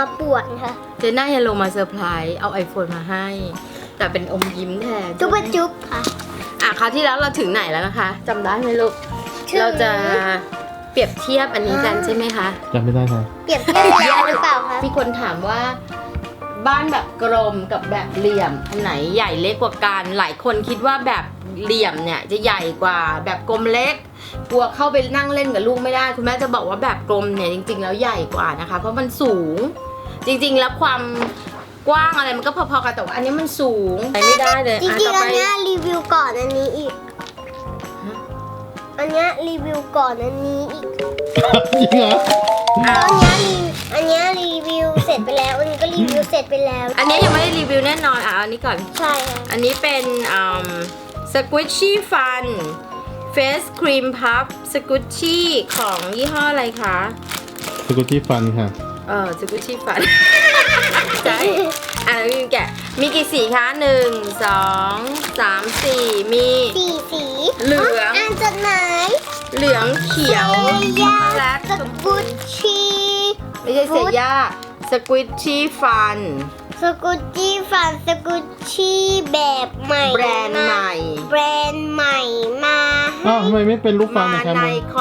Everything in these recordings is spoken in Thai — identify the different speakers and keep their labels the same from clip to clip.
Speaker 1: มาป่วนค่ะ
Speaker 2: เจน่ายังลงมาเซอร์ไพรส์เอา iPhone มาให้แต่เป็นอมยิ้มแทน
Speaker 1: จุ๊บจุ๊บค่ะ
Speaker 2: คราวที่แล้วเราถึงไหนแล้วนะคะจำได้ไหมลูกเราจะเปรียบเทียบอันนี้กันใช่ไหมคะ
Speaker 3: จำไม่ได้ค่ะ
Speaker 1: เปรียบเทียบแล้วหรือเปล่าคะ
Speaker 2: มีคนถามว่าบ้านแบบกลมกับแบบเหลี่ยมอันไหนใหญ่เล็กกว่ากันหลายคนคิดว่าแบบเหลี่ยมเนี่ยจะใหญ่กว่าแบบกลมเล็กกลัวเข้าไปนั่งเล่นกับลูกไม่ได้คุณแม่จะบอกว่าแบบกลมเนี่ยจริงๆแล้วใหญ่กว่านะคะเพราะมันสูงจริงๆแล้วความกว้างอะไรมันก็พอๆกันแต่ว่าอันนี้มันสูงไปไม่ได้เลย
Speaker 1: จริงๆอันนี้รีวิวก่อนอันนี้อีกอันนี้รีวิวก่อนอันนี้อีก
Speaker 3: จริงเหรอ
Speaker 1: อันนี้รีวิวเสร็จไปแล้วอันนี้ก็รีวิวเสร็จไปแล้ว
Speaker 2: อันนี้ยังไม่ได้รีวิวแน่นอนอันนี้ก่อน
Speaker 1: ใช่ค่ะ
Speaker 2: อันนี้เป็นSquishy Fun Face Cream Puff Squishy ของยี่ห้ออะไรคะ
Speaker 3: Squishy Fun ค่ะ
Speaker 2: Squishy Fun ใช่แล้วมีแกะมีกี่สีคะ1 2 3 4มี
Speaker 1: 4 สี
Speaker 2: เหลือง
Speaker 1: อ่านจดหมาย
Speaker 2: เหลืองเขียว
Speaker 1: และสกุชชี่
Speaker 2: ไม่ใช่เซย่า Squishy Fun
Speaker 1: สกุชชี่ฟันสกุชชี่แบบใหม่
Speaker 2: แบรนด์ใหม่
Speaker 1: มา
Speaker 3: ทำไมไม่เป็นลูกฟังนะครับ
Speaker 1: มาในค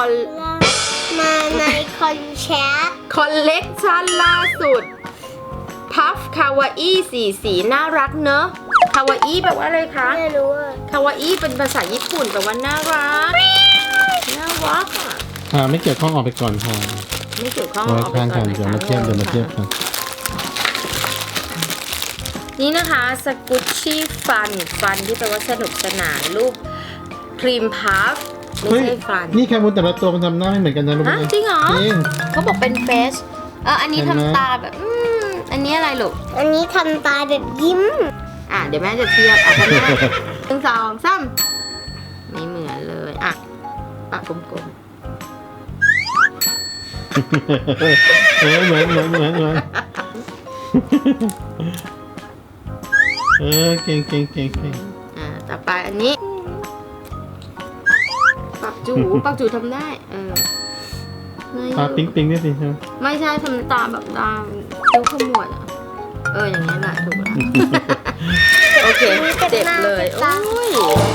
Speaker 1: อนแชท
Speaker 2: คอลเลกชันล่าสุดพัฟคาวาอี้สีน่ารักเนอะคาวาอี้แปลว่าอะไรคะ
Speaker 1: ไม่รู้
Speaker 2: คาวาอี้เป็นภาษาญี่ปุ่นแปลว่าน่ารัก
Speaker 3: ไม่เกี่ยวข้องออกไปก่อนค่ะ
Speaker 2: ไม่เกี่ยวข้อง
Speaker 3: ออกไปก่อนเดี๋ยวมาเทียบกัน
Speaker 2: นี่นะคะสกุชชี่ฟันที่แปลว่าสนุกสนานรูปครีมพัฟไม่ใช่ฟัน
Speaker 3: นี่แคมูนแต่ละตัวมันทำหน้าไม่เหมือนกันนะลูก
Speaker 2: จริงเหรอเขาบอกเป็นเฟสอันนี้ทำตาแบบอันนี้อะไรลูก
Speaker 1: อันนี้ทำตาแบบยิ้ม
Speaker 2: เดี๋ยวแม่จะเทียบทำได้1 2 3ไม่เหมือนเลยปากกลมๆ
Speaker 3: เหมือนเก่ง
Speaker 2: ต่อไปอันนี้ปากจูทำได้
Speaker 3: ตาปิ๊งนี่สิใช่ไหม
Speaker 2: ไม่ใช่ทำตาแบบตาคิ้วขมวดอย่างนี้แหละถูกแล้วโอเคเจ็บเลยโอ้ย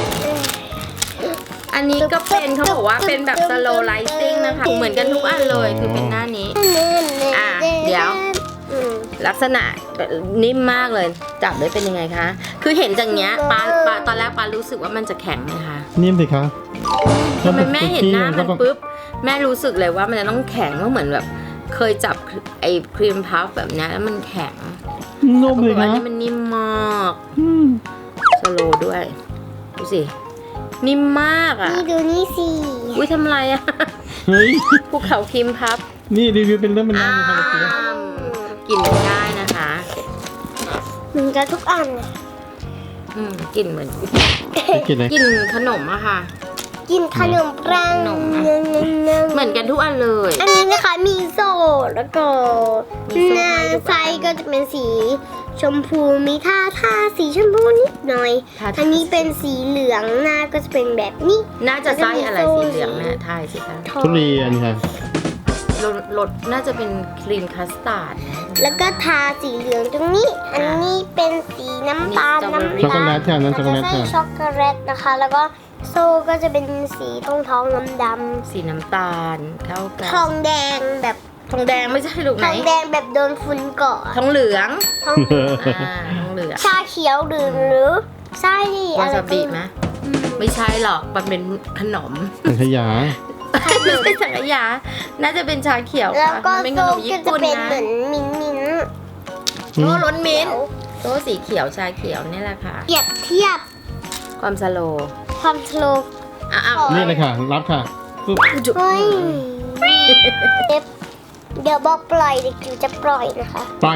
Speaker 2: อันนี้ก็เป็นเขาบอกว่าเป็นแบบ slow lighting นะคะเหมือนกันทุกอันเลยคือเป็นหน้านี้เดี๋ยวลักษณะนิ่มมากเลยจับได้เป็นยังไงคะคือเห็นจากเนี้ยปลาตอนแรกปลารู้สึกว่ามันจะแข็งไหมคะ
Speaker 3: นิ่มสิคะ
Speaker 2: ทำไมแม่เห็นหน้ามันปุ๊บแม่รู้สึกเลยว่ามันจะต้องแข็งเหมือนแบบเคยจับไอ้ครีมพัฟแบบนี้แล้วมันแข็ง
Speaker 3: นุ่มเลยนะ
Speaker 2: อันนี้มันนิ่มมากสโลว์ด้วยดูสินิ่มมาก
Speaker 1: นี่ดูนี่สิ
Speaker 2: อุ้ยทำอะไร
Speaker 3: เฮ้ย
Speaker 2: ภูเขาครีมพัฟ
Speaker 3: นี่รีวิวเป็นเรื่องมันน่า
Speaker 2: กินไม่ได้นะคะ
Speaker 1: เหมือนกันทุกอัน
Speaker 2: กินเหมือน
Speaker 3: กิน
Speaker 2: ขนมอะค่ะ
Speaker 1: กินขนมปัง
Speaker 2: เหมือนกันทุกอันเลย
Speaker 1: อันนี้นะคะมีโซ่แล้วก็หน้าไส้ก็จะเป็นสีชมพูมีทาสีชมพูนิดหน่อยอันนี้เป็นสีเหลืองหน้าก็จะเป็นแบบนี้
Speaker 2: น่าจะไส้อะไรสีเหลืองเนี่ยทายสิคะ
Speaker 3: ทุเรียนค่ะ
Speaker 2: รสน่าจะเป็นครีมคัสตาร์ด
Speaker 1: แล้วก็ทาสีเหลืองตรงนี้อันนี้เป็นสีน้ำตาล
Speaker 3: ช็อกโกแลตค่ะนั่นช็อกโกแลต
Speaker 1: ค่ะช็อกโกแลตนะคะแล้วก็โซ่ก็จะเป็นสีทองดำ
Speaker 2: สีน้ำตาลเข้ากัน
Speaker 1: ทองแดงแบบ
Speaker 2: ทองแดงไม่ใช่ลูกไหน
Speaker 1: ทองแดงแบบโดนฝุ่นเกาะ
Speaker 2: ทองเหลือง
Speaker 1: ทองเหลืองชาเขียวหรือไส้
Speaker 2: วาซาบิไหมไม่ใช่หรอกมันเป็นขนม
Speaker 3: สังขยา
Speaker 2: ไม่ใช่สังขยาน่าจะเป็นชาเขียว
Speaker 1: แล้วก็
Speaker 2: เป็นข
Speaker 1: โซ่
Speaker 2: นมญี่ปุ่นนะ
Speaker 1: เหมือนมิ้น
Speaker 2: โอ้รสมิ้นโซ่สีเขียวชาเขียวนี่แหละค่ะ
Speaker 1: เทียบ
Speaker 2: ความสโล
Speaker 3: นี่เลยค่ะรับค่ะ
Speaker 1: เฮ้ยเดี๋ยวบอกปล่อยเด็กจิ๋วจะปล่อยนะคะ
Speaker 3: ไป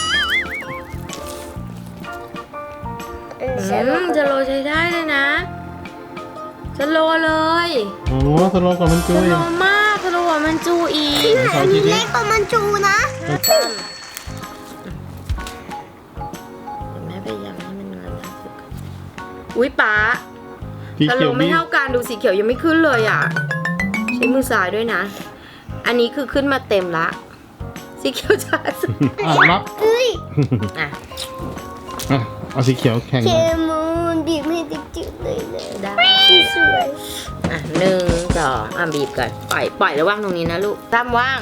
Speaker 2: จะโลใช้ได้เลยนะจะโลเลย
Speaker 3: โอ้สโลกว่ามันจู
Speaker 2: สโลมากสโลกว่ามันจูอีก
Speaker 1: อันนี้เล็กกว่ามันจูนะ
Speaker 2: แม่พยายามให้มันงานสุดอุ้ยป๊าสโลไม่เท่ากันดูสีเขียวยังไม่ขึ้นเลยใช้มือซ้ายด้วยนะอันนี้คือขึ้นมาเต็มละสีเขียวช้าสุด
Speaker 3: รับ
Speaker 1: เอ้ย
Speaker 2: อ่ะ
Speaker 3: อ่ะเอาสีเขียวแข่ง
Speaker 1: เค
Speaker 3: กัน
Speaker 1: มูนบีบให้จืดๆเลยนะ
Speaker 2: ได้
Speaker 1: สวย
Speaker 2: อ่ะ1 2อ่ะบีบก่อนปล่อยแล้วว่างตรงนี้นะลูกตามว่าง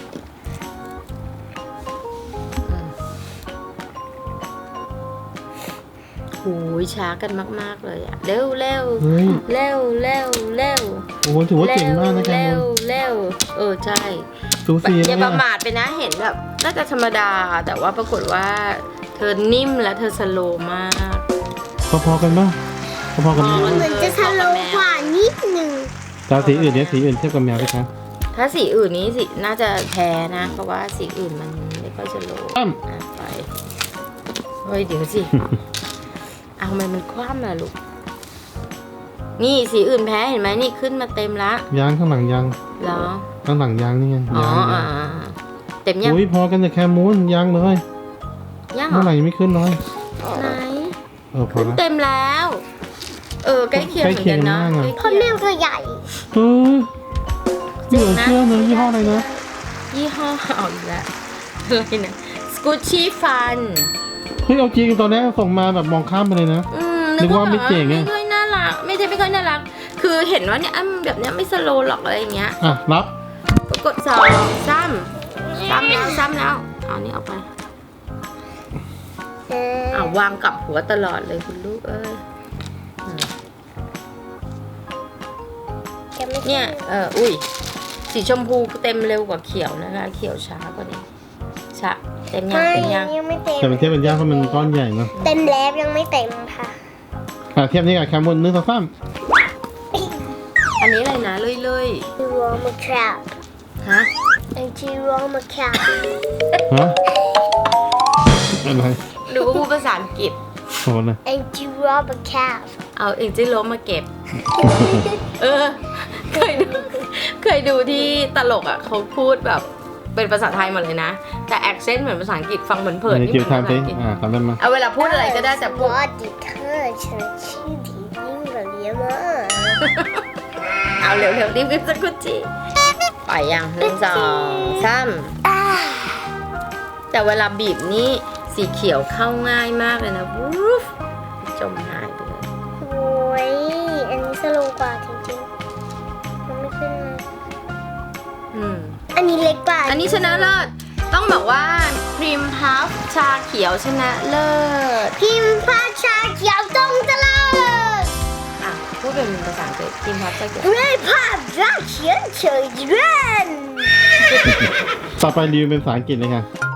Speaker 2: โอ้ยช้ากันมากๆเลยอะเร็วเร็ว
Speaker 3: เฮ้ย
Speaker 2: เร็วเร็วเร็ว
Speaker 3: โอ้โหถือว่าเก่งมากนะแค
Speaker 2: เร็
Speaker 3: มู
Speaker 2: วน เร็วใช่
Speaker 3: สูสี
Speaker 2: อ
Speaker 3: เล
Speaker 2: ย่าย ประ
Speaker 3: อะ
Speaker 2: มาทไปนะเห็นแบบน่าจะธรรมดา แต่ว่าปรากฏว่าเธอนิ่มและเธอสโลว์มาก
Speaker 3: พอๆกันป่ะพอๆกันไหม
Speaker 1: เหมือนจะสโลว์กว่านิดนึง
Speaker 3: แต่สีอื่นเนี่ยสีอื่นเทียบกับแมวไหมคะ
Speaker 2: ถ้าสีอื่นนี้สิน่าจะแพ้นะ เพราะว่าสีอื่นมันไม่ค่อยสโลว์
Speaker 3: ตั้ม
Speaker 2: อ่ะไปเฮ้ยเดี๋ยวสิเอาทำไมมันคว่ำล่ะลูกนี่สีอื่นแพ้เห็นไหมนี่ขึ้นมาเต็มละ
Speaker 3: ยางข้างหลังยาง
Speaker 2: เหรอ
Speaker 3: ข้างหลังยางนี่ไง
Speaker 2: อ๋อย
Speaker 3: าง
Speaker 2: อ่าเต็มยัง
Speaker 3: อุ้ยพอกันแต่แคมูนยางเลย
Speaker 2: ยังเหร
Speaker 3: เมื่
Speaker 2: อ
Speaker 3: อไหร่ยังไม่ขึ้นเลย
Speaker 2: ไหน
Speaker 3: พอ
Speaker 2: ขึ้น
Speaker 3: ละ
Speaker 2: เต็มแล้ว ใกล้เคียงเหมือนกันนะ
Speaker 3: ใกล้เคียงมากอะ
Speaker 1: เพราะแมวตัวใหญ่
Speaker 3: เออเหลือเชื่อเลยยี่ห้ออะไรนะ
Speaker 2: ยี่ห้อเอาอีกแล้วอะไรนะสกูชี่ฟัน
Speaker 3: เฮ้ยเอาจริงตอนแรกส่งมาแบบมองข้ามไปเลยนะ นึกว่าไม่เจ๋งอะ
Speaker 2: ไม่ค่อยน่ารักไม่ค่อยน่ารัก คือเห็นว่าเนี่ยแบบเนี้ยไม่สโลว์หรอกอะไรอย่างเงี้ย
Speaker 3: อ่ะรับ
Speaker 2: ก็กด2ซ้ำแล้วเอานี่เอาไปวางกลับหัวตลอดเลยคุณลูกเอ้ยเนี่ยอุ้ยสีชมพูเต็มเร็วกว่าเขียวนะคะ เขียวช้ากว่านี้ช้าเต็มยัง
Speaker 1: ไม่
Speaker 2: เต็มยัง
Speaker 1: ยังไม่เต็ม
Speaker 3: แต่เป็นเทียบเป็นยางเพราะมันก้อนใหญ่เนาะ
Speaker 1: เต็มแล้วยังไม่เต็มค่ะ
Speaker 3: เทียบนี่กับแคมูน1 2 3
Speaker 2: อันนี้อะไรนะเลื่อย
Speaker 1: จิโรมาแคป
Speaker 2: ๆฮะ
Speaker 1: จิโรมาแคป
Speaker 3: ฮะอะไร
Speaker 2: หรือว่าพูดภาษาอังกฤษ
Speaker 3: โหนะ
Speaker 1: จิโรมาแคป
Speaker 2: เอาเองจิโร่มาเก็บ เคยดูที่ตลกอ่ะเขาพูดแบบเป็นภาษาไทยหมดเลยนะ แต่แอคเซนต์เหมือนภาษาอังกฤษฟังเผินๆ
Speaker 3: ใน
Speaker 2: นี่
Speaker 3: คิว
Speaker 2: เหมือน
Speaker 3: ทำ
Speaker 2: ภา
Speaker 3: สิ
Speaker 2: ษาอังกฤษ
Speaker 3: ทำได้ไหม
Speaker 2: เอาเวลาพูดอะไรก็ได้แต่พูด
Speaker 1: 我的课程是体育的吗？
Speaker 2: เอาเร็วๆรีบๆสักกุจิไปยัง1 2 3แต่เวลาบีบนี่สีเขียวเข้าง่ายมากเลยนะวูฟจมหายไปเลย
Speaker 1: โอ้ยอันนี้สโลว์กว่าจริงๆมันไม่ขึ้นมา อันนี้เล็กกว่า
Speaker 2: อันนี้ชนะเลิศต้องบอกว่าครีมพัฟชาเขียวชนะเลิศ
Speaker 1: พิมพ์ภาชาเขียวตรงตลอด
Speaker 2: อ่ะพูดเป็นภาษาอังกฤษครีมพัฟชาเขียว
Speaker 1: ด้วยภาพชาเขียวเฉยเรื่น
Speaker 3: ต่อไปรีวิวเป็นภาษาอังกฤษเลยค่ะ